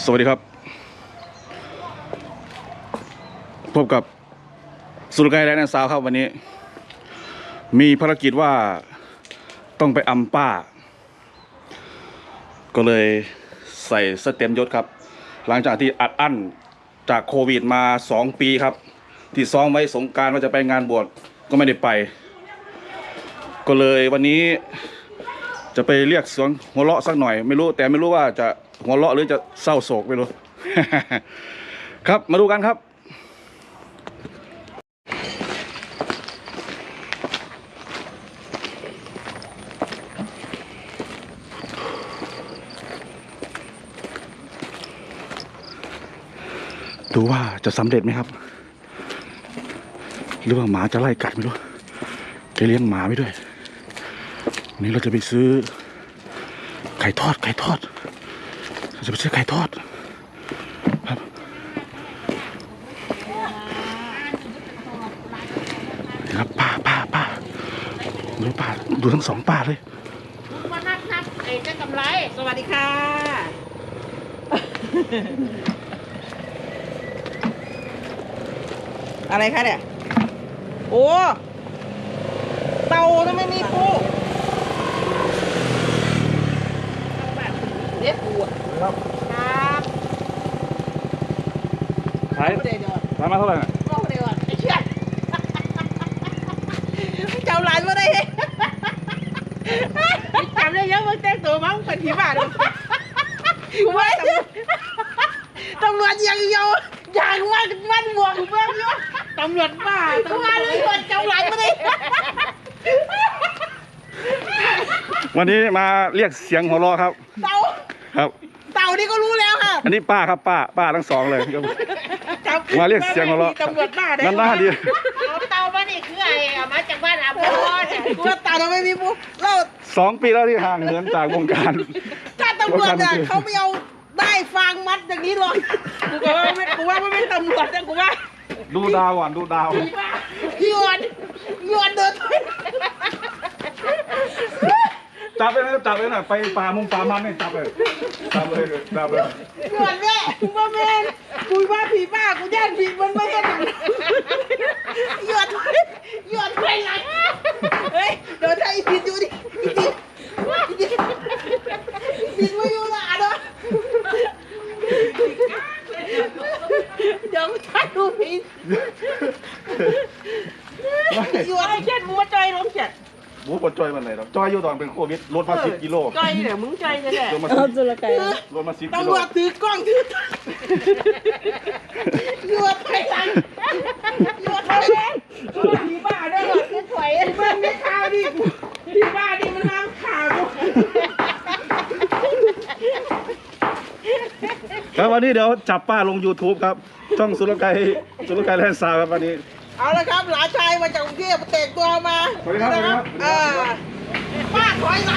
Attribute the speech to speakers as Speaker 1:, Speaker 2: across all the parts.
Speaker 1: สวัสดีครับพบกับสุรกายและนันสาวครับวันนี้มีภารกิจว่าต้องไปอำป้าก็เลยใส่สเต็มยศครับหลังจากที่อัดอั้นจากโควิดมา2 ปีครับที่ซ้อมไว้สงกรานต์ว่าจะไปงานบวชก็ไม่ได้ไปก็เลยวันนี้จะไปเรียกเสียงหัวเราะสักหน่อยไม่รู้ว่าจะหัวเราะหรือจะเศร้าโศกไม่รู้ ครับมาดูกันครับดูว่าจะสำเร็จไหมครับหรือว่าหมาจะไล่กัดไม่รู้แกเลี้ยงหมาไว้ด้วยวันนี้เราจะไปซื้อไก่ทอดเราจะไปซื้อไก่ทอดครับครับป้าดูป้าดูทั้ง2ป้าเลย
Speaker 2: มานับไอ้เจ้ากำไรสวัสดีค่ะอะไรคะเนี่ยโอ้เตาทำไมมีปูเด็ดปูครับ
Speaker 1: ขายมาเท่าไหร่น่ะ
Speaker 2: ก็เดียวไอ้เชี่ยเจ้าหลานมาได้จำได้ยังมึงแต่งตัวมั้งเป็นผีบ้าเลยกูว่าตำรวจยังเยาอย่างมันบวกเพิ่มเยอะตำรวจบ้าตำรวจเจ้าหลานมาได้
Speaker 1: วันนี้มาเรียกเสียงหัวเราะครับ
Speaker 2: เต่า
Speaker 1: ครับ
Speaker 2: เต่านี่ก็รู้แล้วค่ะ
Speaker 1: อันนี้ป้าครับป้าทั้ง2เลยมาเรียกเสียงหัวเราะ
Speaker 2: ตำรวจบ้าได้
Speaker 1: นั่นหน้าดี
Speaker 2: เต่าบ้านนี่คือไอ้มาจากบ้านอาพ่อเนี่ยกูว่าเต่าเราไม่มีปุ๊บเรา
Speaker 1: 2 ปีแล้วที่ห่างเหินจากวงการ
Speaker 2: ถ้าตำรวจเนี่ยเขาไม่เอาได้ฟางมัดอย่างนี้หรอกกูว่าไม่ตำรวจนะกูว่า
Speaker 1: ดูดาวก่อนดูดาว
Speaker 2: โยนเดิน
Speaker 1: จับเลยนะไปป่ามันเนี่ยจับเลย
Speaker 2: โยนแม่กูว่าแม่กูว่าผีบ้ากูย่านผีมันไม่เห็นโยนไปไหนเฮ้ยเดี๋ยวถ้าอีผิดอยู่ดิผิดไม่อยู่ละเนาะเดี๋ยวถ้าดูผิดอยู่อะไรเช่นมัวใจล้มเจ็ด
Speaker 1: หมูปดจอยมันไหนหรอจอยอยู่ตอนเป็นโควิดลดมา10 กิโล
Speaker 2: จอยเนี่ยมึงจอยเนี่ยแหละ
Speaker 1: ลดมา10 กิโล
Speaker 2: ตำรวจถือกล้องถือหยวดไปหลังผีบ้าได้หรอคือถอยมันไม่ข่าวดิผีบ้าดิมันน้ำข่าว
Speaker 1: ครับวันนี้เดี๋ยวจับป้าลง YouTube ครับช่องสุรกายแลนด์ซาวครับวันนี้
Speaker 2: เอาละครับหลานชายมาจากกรุงเทพแต่งตัวมา
Speaker 1: สวัสดีครับ
Speaker 2: ป้าถอยหลัง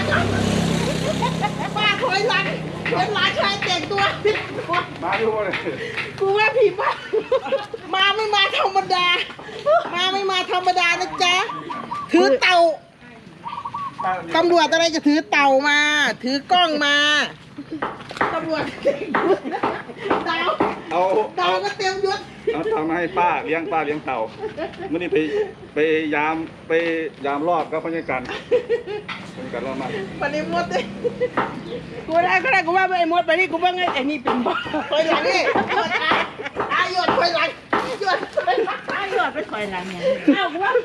Speaker 2: เป็นหลานชายแต่งตัว
Speaker 1: มาดูเลย
Speaker 2: กูว่าผีบ้ามาไม่มาธรรมดานะจ๊ะถือเต่าตำรวจอะไรจะถือเต่ามาถือกล้องมาตำรวจเต่าก็เต็มยศ
Speaker 1: เอาเต่ามาให้ป้าเลี้ยงเต่าเมื่อนี้ไปยามรอบก็พนักงานรอบมา
Speaker 2: ปฏิมดเลยกูได้กูว่าไอ้มดไปนี่กูว่าไงไอ้นี่เป็นบ้าถอยหลังนี่หยดถอยหลังหยดไปถอยหลังเนี่ยเอ้ากูว่า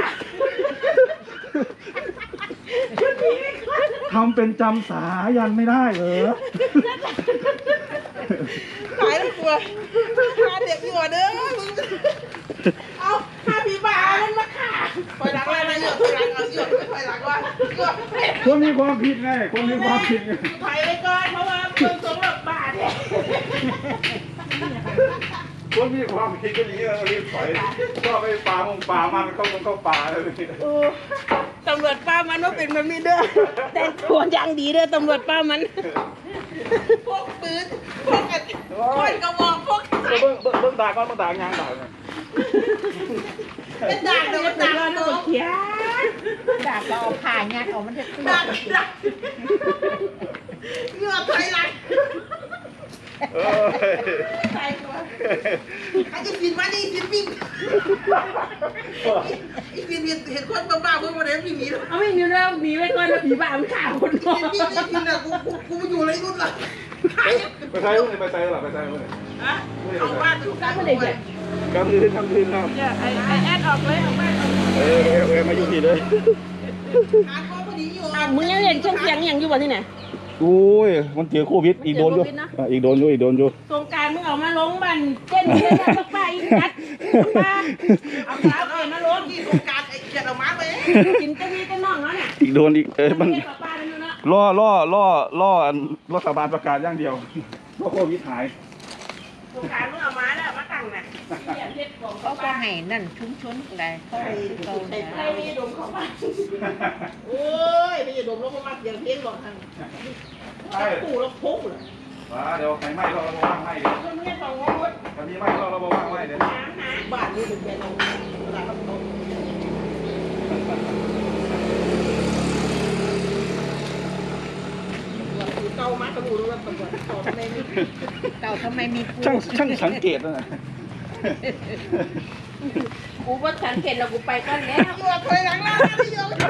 Speaker 1: ทำเป็นจำสายันไม่ได้เหรอ
Speaker 2: ตายแล้วกลัวพาเด็กอยู่เด้อเอาพาผีบ้ามันมาฆ่าถอยหลังอะไรนะหยดถอยหลังถอยหลังว่า
Speaker 1: คนมีความผิดไงถอย
Speaker 2: ไปก่อนเพราะว่าเพิ่งสงบบ้าเนี่ย
Speaker 1: คนมีความผิดก็อย่างนี้เรารีบถอยก็ไปป่ามันเข้าป่าเลย
Speaker 2: ตำรวจป้ามันว่าเป็นมันไม่เด้อแต่งตัวยังดีเด้อตำรวจป้ามันพวกปืนพวกคนกระบอกพวก
Speaker 1: เบิ้งด่าก่อนเบิ้งด่ายางด่า
Speaker 2: เป็นด่าเดี๋ยวด่าเราเขียด่าเราเอาผ่านเนี่ยเอามันจะด่าเหงื่อถอยหลังใส่ตัวไอ้จะกินมาดิกินปิ้งไอ้กินเห็นคนบ้าๆเมื่อวันนี้ไม่มีแล้ว
Speaker 3: เอาไม่มีแล้วหนีไปก่อนแล้วผีบ้ามันข่าวคนนอ
Speaker 2: กินปิ้งไม่กินอ่ะกูมาอยู่ไรรุ่นละ
Speaker 1: ไปใช้เลยไปใช้หรอไปใช้เลย
Speaker 2: เอาบ้านดูกันเลยเนี่ย
Speaker 1: กำคืนครับ
Speaker 3: ไอแอดออกเลยออกมา
Speaker 1: มาอยู่ที่เลย
Speaker 2: หาข้อพอดีอยู่
Speaker 3: มึงยังเห็นช่องเสียงอย่างอยู่บ่ที่ไหน
Speaker 1: โอ้ยมันเจอโควิดอีกโดนอยู่อีกโดนอยู่
Speaker 3: สงการมึงเอามาลงบันเต้นเต้นปักป้าอีกนัดป้าเอาสาวเอ็มาลง
Speaker 2: ที่โครงการไอ้เกียรติเอามาไป
Speaker 3: กินเต้นนี่เต้นน้องแล้วเนี่ย
Speaker 1: อีกโดนอีกมัน
Speaker 3: ปักป้าเป็นเนาะ
Speaker 1: ล่อรัฐบาลประกาศอย่างเดียวว่าโควิดหาย
Speaker 3: สงการมึงเอามาแล้วมาตั้งน่ะ
Speaker 4: เขาก็ให้นั่นชุ้นๆอะไรเขาให้เขา
Speaker 3: ใครมีดมของบ้าน
Speaker 2: โอ้ยไม่จะดมแล้วก็มาอย่างเพี้ยนบอกทางปู่แล้วพุกเลย
Speaker 1: เดี๋ยวใครไม่เราว่างให้เดี๋ยว
Speaker 3: มึงเนี่ยต้องงง
Speaker 1: ถ้ามีไม่เราว่างให้เดี๋ยว
Speaker 2: บ้านนี้เป็นแค่เราเวลาเขาตกเก่ามากกระดูกแล้วตำรวจสอบในนี้
Speaker 4: เต่าทำไมมีปู
Speaker 1: ช่างสังเกตนะ
Speaker 3: กูว่าสังเกตแล้วกูไปก่อนแล้ว
Speaker 2: อยู่ถอยหลังแล้วไม่ยอม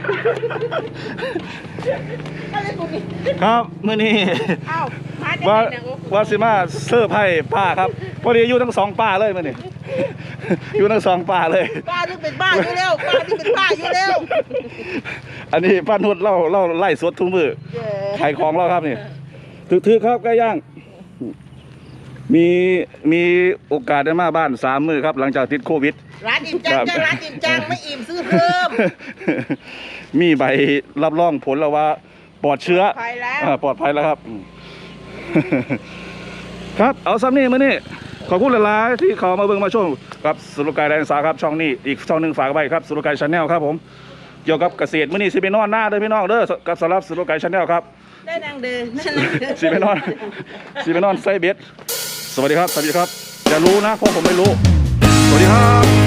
Speaker 2: อะไรกูนี่
Speaker 1: ครับมื้อนี้
Speaker 3: เอ้ามาได้
Speaker 1: ว่า
Speaker 3: ไง
Speaker 1: ว่าสิมาเสิร์ฟให้ป้าครับพอดีอยู่ทั้งสองป้าเลยมื้อนี้อยู่ทั้งสองป้าเลย
Speaker 2: ป้านี่เป็นบ้าอยู่แล้วป้านี่เป็นบ้าอยู่แล้ว
Speaker 1: อันนี้ป้านุชเล่าไล่สดทุกมือขายของเราครับนี่ถือครับไก่ย่างมีโอกาสได้มาบ้าน3 มื้อครับหลังจากติดโควิด
Speaker 2: ร้านอิ่มจังร้านอิ่มจังไม่อิ่มซื้อเพิ่ม
Speaker 1: มีใบรับรองผลแล้วว่าปลอดเชื้อ
Speaker 2: ไปแล้ว
Speaker 1: ปลอดภัยแล้วครับ ครับเอาซ้ำนี่มานี่ขอบคุณหลายๆที่เขามาเบิ่งมาชมครับสุรกายแดนสาครับช่องนี้อีกช่องหนึ่งฝากไว้ครับสุรกายชาแนลครับผมเกี่ยวกับเกษตรมื้อนี้สิไปนอนหน้าเด้อพี่น้องเด้อกับสำหรับสุรกายชาแนลครับ
Speaker 2: ได้ดังเดินนั่นแหละ
Speaker 1: สิไปนอนไซเบสสวัสดีครับอย่ารู้นะเพราะผมไม่รู้สวัสดีครับ